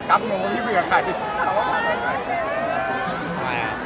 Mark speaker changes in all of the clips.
Speaker 1: กับหนูพี่เบื่อใครเขาว่ามาใคร
Speaker 2: ทำไมอ่ะ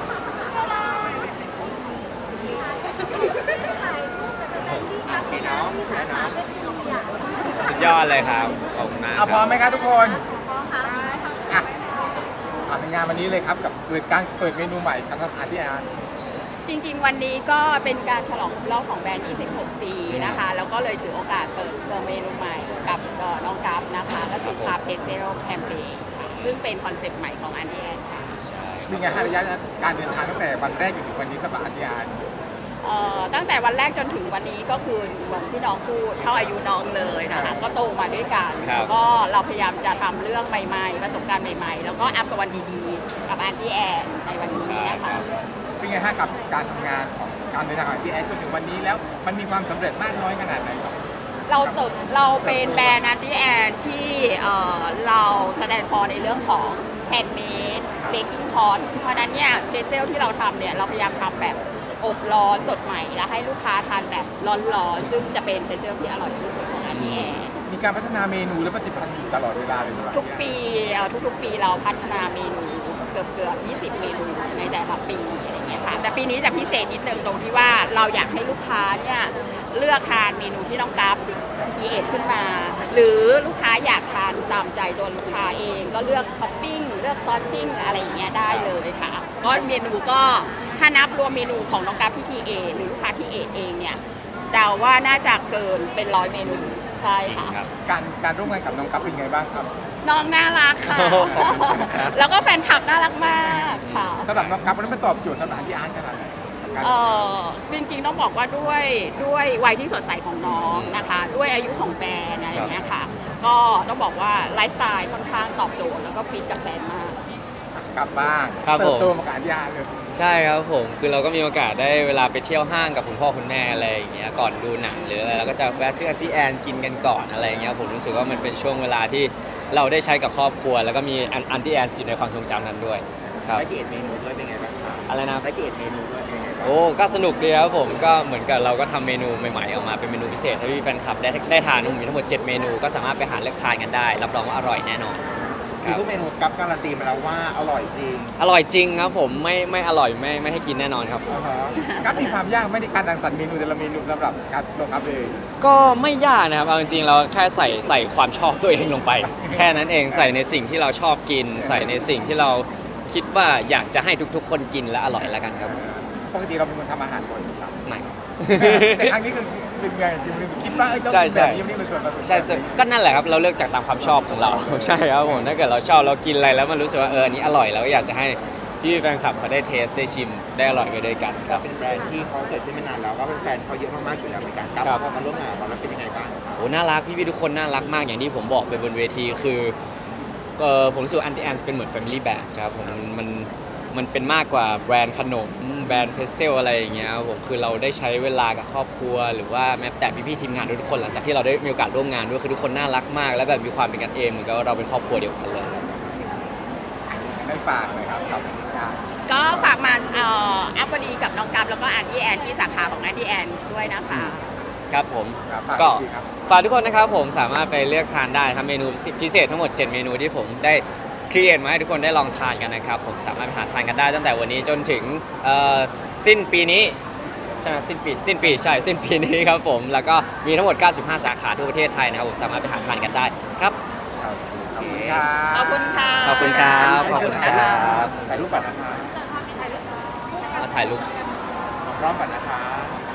Speaker 2: สุดยอดเลยครับขอบคุณมากค
Speaker 1: เอา
Speaker 2: รับ
Speaker 1: พร้อมไหมครับทุกคนอ่ะเป็นงานวันนี้เลยครับกับการเปิดเมนูใหม่ของสถานที่อาหาร
Speaker 3: จริงๆวันนี้ก็เป็นการฉลองครบรอบของแบรนด์ 26 ปีนะคะ แล้วก็เลยถือโอกาสเปิดตัวเมนูใหม่กับน้องกัฟนะคะ ก็คือคาเพสเซโรแคมเปญซึ่งเป็นคอนเซ็ปต์ใหม่ของอันดีแอนค่ะ
Speaker 2: ใช่
Speaker 1: มีไงฮะระยะการเดินทางตั้งแต่วันแรกจนถึงวันนี้กับอาทิตย์
Speaker 3: ตั้งแต่วันแรกจนถึงวันนี้ก็คือเหมือนที่น้องพูดเท่าอายุน้องเลยนะคะ ก็โตมาด้วยกันแล้วก็เราพยายามจะทำเรื่องใหม่ๆประสบการณ์ใหม่ๆ แล้วก็อัพกับวันดีๆ กับอันดีแอนในวันนี้นะคะ
Speaker 1: เป็นไงฮะกับการทำงานของการเดินทางของที่แอดจนถึงวันนี้แล้วมันมีความสำเร็จมากน้อยขนาดไหนครับ
Speaker 3: เราเป็นแบรนด์อันดีแอนที่เราแสดงฟอร์ในเรื่องของแฮนด์เมดเบกกิ้งพอตเพราะฉะนั้นเนี่ยเพรสเซลที่เราทำเนี่ยเราพยายามทำแบบอบร้อนสดใหม่แล้วให้ลูกค้าทานแบบร้อนๆซึ่งจะเป็นเพรสเซลที่อร่อยที่สุดของอันดีแอน
Speaker 1: มีการพัฒนาเมนูและปฏิพันธ์อยู่ตลอดเวลาเลยสำหรับ
Speaker 3: ทุกปีทุกๆปีเราพัฒนาเมนูเกือบ20 เมนูในแต่ละปีอะไรเงี้ยค่ะแต่ปีนี้จะพิเศษนิดนึงตรงที่ว่าเราอยากให้ลูกค้าเนี่ยเลือกทานเมนูที่น้องกัฟคีเอทขึ้นมา หรือลูกค้าอยากทานตามใจตัวลูกค้าเองก็เลือกท็อปปิ้งเลือกซอสซิ่งอะไรอย่างเงี้ยได้เลยค่ะก็เมนูก็ถ้านับรวมเมนูของน้องกัฟที่คีเอทหรือลูกค้าคีเอทเองเนี่ยเดาว่าน่าจะเกินเป็น100 เมนูใช่
Speaker 2: จริง
Speaker 3: ค่ะ
Speaker 2: ครับ
Speaker 1: การร่วมงานกับน้องกัฟเป็นไงบ้างครับ
Speaker 3: น้องน่ารักค่ะ
Speaker 2: โอ้ขอบคุณครับ
Speaker 3: แล้วก็แฟนคลับน่ารักมากค่ะ
Speaker 1: สำหรับน้องกัฟมันตอบโจทย์สำหรับที่อาร์ตขนาดไหนกับการ
Speaker 3: จริงๆต้องบอกว่าด้วยวัยที่สดใสของน้องนะคะ ด้วยอายุของแบรนด์อะไรอย่างเงี้ยค่ะ ก็ต้องบอกว่าไลฟ์สไตล์ค่อนข้างตอบโจทย์แล้วก็ฟิตกับแบรนด์มาก
Speaker 1: กลับบ้าน
Speaker 2: ครับ
Speaker 1: เติ
Speaker 2: ผ
Speaker 1: บ
Speaker 2: ม
Speaker 1: โตมากับที่อาร์ตเลย
Speaker 2: ใช่ครับผมคือเราก็มีโอกาสได้เวลาไปเที่ยวห้างกับคุณพ่อคุณแม่อะไรอย่างเงี้ยก่อนดูหนังหรืออะไรเราก็จะแวะซื้ออันตี้แอนกินกันก่อนอะไรอย่างเงี้ยผมรู้สึกว่ามันเป็นช่วงเวลาที่เราได้ใช้กับครอบครัว แล้วก็มีอันตี้แอนอยู่ในความทรงจำนั้นด้วยครับ
Speaker 4: ได้เกรดเมนูด้วยเป็นไงบ้างครับ
Speaker 2: อะไรนะ
Speaker 4: ได้เกรดเมนูด้วยเป็นไงบ้าง
Speaker 2: โอ้ก็สนุกดีครับผมก็เหมือนกับเราก็ทำเมนูใหม่ๆออกมาเป็นเมนูพิเศษให้พี่แฟนคลับได้ทานมีทั้งหมด 7 เมนูก็สามารถไปหาเลือกทานกันได้รับรองว่าอร่อยแน่นอนค
Speaker 4: คือ
Speaker 2: รับ
Speaker 4: ทุกเมนูกัฟการันตีมาแล้วว่าอร่อยจริง
Speaker 2: อร่อยจริงครับผมไม่อร่อยไม่ให้กินแน่นอนครับ
Speaker 1: กัฟมีความยากไม่ได้การรังสรรค์เมนูแต่ละเมนูสำหรับการตัวกัฟเอง
Speaker 2: ก็ไม่ยากนะครับเอาจริงๆเราแค่ใส่ความชอบตัวเองลงไป แค่นั้นเองใส่ในสิ่งที่เราชอบกิน ใส่ในสิ่งที่เราคิดว่าอยากจะให้ทุกๆ คนกินและอร่อยแล้วกันครับ
Speaker 1: ปกติเราเป็นคนทำอาหารบ่อยครับ
Speaker 2: ไม่
Speaker 1: แต่ครั้งนี้คือเป็นไงคิดว่าต้อง
Speaker 2: ใช่
Speaker 1: เป็นแบบนี้นี่เป็นส่วนผสม
Speaker 2: ใช่ก็นั่นแหละครับเราเลือกจากตามความชอบของเรา ใช่ครับผมถ้าเกิดเราชอบเรากินอะไรแล้วมันรู้สึกว่าอันนี้อร่อยเราก็อยากจะให้พี่แฟนคลับเขาได้เทสได้ชิมได้อร่อยไปด้วยกันครับ
Speaker 4: เป็นแบรนด์ที่เขาเกิดขึ้นไม่นานแล้วก็เป็นแฟนเขาเยอะมากๆอยู่แล้วในการกัฟ
Speaker 2: ครับ
Speaker 4: พอมาร่วมงานกับเราแล้วเป็นยังไงบ้างครับ
Speaker 2: โอ้น่ารักพี่ๆทุกคนน่ารักมากอย่างที่ผมบอกไปบนเวทีคือผมรู้สึกอันตี้แอนเป็นเหมือน Family Brand ครับผมมันเป็นมากกว่าแบรนด์ขนมแบรนด์เพรสเซลอะไรอย่างเงี้ยครับผมคือเราได้ใช้เวลากับครอบครัว หรือว่าแม้แต่พี่ๆทีมงานทุกคนหลังจากที่เราได้มีโอกาสร่วมงานด้วยคือทุกคนน่ารักมาก และแบบมีความเป็นกันเองเหมือนกับว่าเราเป็นครอบครัวเดียวกันเลย
Speaker 1: ได้ฝากเลยครับกับงาน
Speaker 3: ก็ฝากมาอัพวดีกับน้องกัฟแล้วก็อันดีแอนที่สาขาของอันดีแอนด้วยนะคะ
Speaker 2: ครับผม
Speaker 1: ครับฝาก
Speaker 2: ก็
Speaker 1: อีกทีครับ
Speaker 2: ฝากทุกคนนะครับผมสามารถไปเลือกทานได้ทำเมนูพิเศษทั้งหมด 7 เมนูที่ผมได้ครีเอทมาให้ทุกคนได้ลองทานกันนะครับผมสามารถไปหาทานกันได้ตั้งแต่วันนี้จนถึงสิ้นปีนี้ใช่ไหมสิ้นปีใช่สิ้นปีนี้ครับผมแล้วก็มีทั้งหมด 95 สาขาทั่วประเทศไทยนะครับผมสามารถไปหาทานกันได้ครับ
Speaker 1: ขอบคุณครับ
Speaker 3: ขอบคุณค่ะ
Speaker 2: ขอบคุณครับ
Speaker 3: ขอบคุณนะคะ
Speaker 4: ถ่ายรูปก่อนนะคะ
Speaker 2: มาถ่ายรูป
Speaker 4: รอบก่อนนะคะ